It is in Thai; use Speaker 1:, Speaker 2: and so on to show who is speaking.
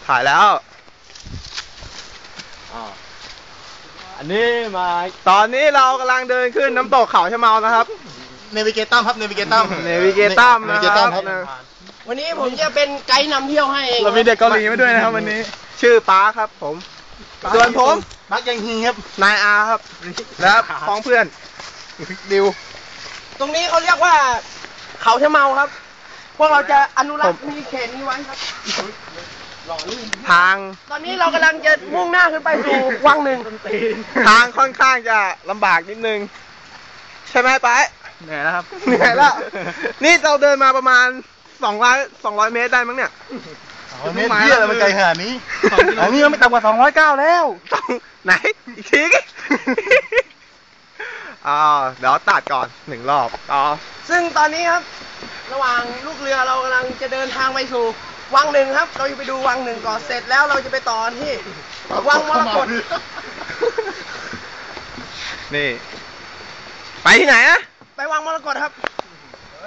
Speaker 1: ถ่ายแล้ว
Speaker 2: อันนี้มา
Speaker 1: ตอนนี้เรากำลังเดินขึ้นน้ำตกเขาชะเมานะครับ
Speaker 3: เนวิเกตัมครับเนวิเกตัม
Speaker 1: นะครับ
Speaker 4: วันนี้ผมจะเป็นไกด์นำเที่ยวให้เอง
Speaker 1: เรามีเด็กเกาหลีมาด้วยนะครับวันนี้ชื่อป๊าครับผมส่วนผม
Speaker 3: ปักยังฮีครับ
Speaker 1: นายอาครับและพ้องเพื่อนดิว
Speaker 4: ตรงนี้เขาเรียกว่าเขาชะเมาครับพวกเราจะอนุรักษ์มีเขตนี้ไว้ครับ
Speaker 1: ทาง
Speaker 4: ตอนนี้เรากำลังจะมุ่งหน้าขึ้นไปสู่วังหนึ่ง
Speaker 1: ทางค่อนข้างจะลำบากนิดนึงใช่ไหมป๊า
Speaker 2: เหนื่อยแล้วครับ
Speaker 1: เหนื่อยแล้วนี่เราเดินมาประมาณ200 เมตรได้มั้งเนี่ย
Speaker 3: เมตรเยอะเลยมันไกลขนาดนี้อันนี้มันไม่ต่ำกว่า209แล้ว
Speaker 1: ไหนอีกทีเดี๋ยวตัดก่อน1 รอบ
Speaker 4: ซึ่งตอนนี้ครับระหว่างลูกเรือเรากำลังจะเดินทางไปสู่วังหนึ่งครับเราจะไปดูวังหนึ่งก่อนเสร็จแล้วเราจะไปต่อที่วังมรกต
Speaker 1: นี่ไปที่ไหนอะ
Speaker 4: ไปวังมรกตครับ